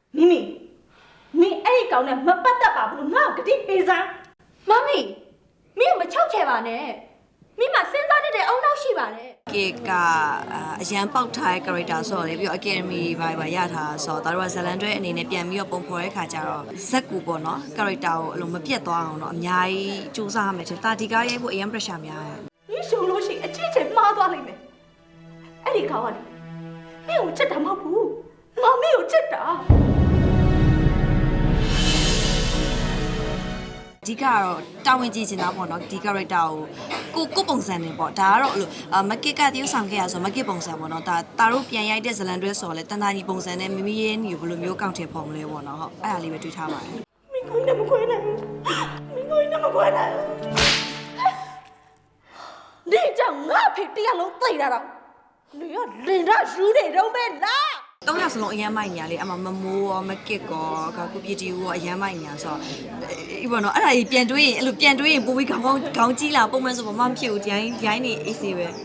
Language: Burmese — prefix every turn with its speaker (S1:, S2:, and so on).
S1: 咪咪，你爱搞呢，没办得吧？不，我给你背上。
S2: 妈咪，你有没有吵起吧呢？你嘛现在你得懊恼死吧呢？
S3: ကအရန်ပေါက်ထားတဲ့ character ဆိုတော့လေပြီးတော့ academy ဘာရထားဆိုတော့တို့ကဇလန်တွဲအနေနဲ့ပြန်ပြီးတော့ပုံဖော်တဲ့ခါကျတော့ဇက်ကူပေါ့နော် character ကိုအလိုမပြတ်သွားအောင်တော့အများကြီးစူးစမ်းရမယ်တဲ့တာဒီကားရိုက်ဖို့အရင် pressure များတယ်
S1: 你手罗西，之前妈抓里面，哎，你搞啊你，没有这他妈不，我没有这的。
S3: အဓိကကတော့တာဝန်ကြီးချင်တာပေါ့နော်ဒီ character ကိုပုံစံနေပေါ့ဒါကတော့အဲ့လိုမကစ်ကတရုပ်ဆောင်ခဲ့ရဆိုမကစ်ပုံစံပေါ့နော်ဒါတို့ပြန်ရိုက်တဲ့ဇလန်တွဲဆိုတော့လေတန်တာကြီးပုံစံနဲ့မိမိရဲ့ညီကိုဘယ်လိုမျိုးကောက်ထည့်ဖော်မလဲပေါ့နော်ဟုတ်အဲ့ဒါလေးပဲတွေးထားပါတယ်
S1: 没亏那么亏呢，没亏那么亏呢。你叫我陪地下楼对了了，你要领着输的都没啦。
S3: သုံးယောက်စလုံးအရန်မိုက်ညာလေးအမမမိုးရောမကစ်ကောကိုပြတီဦးရောအရန်မိုက်ညာဆိုတော့ဒီပေါ့နော်အဲ့ဒါကြီးပြန်တွေးရင်အဲ့လိုပြန်တွေးရင်ပိုပြီးခေါင်းကြီးလာပုံမှန်ဆိုဘာမှမဖြစ်ဘူးဒီတိုင်းနေအေးစေပဲ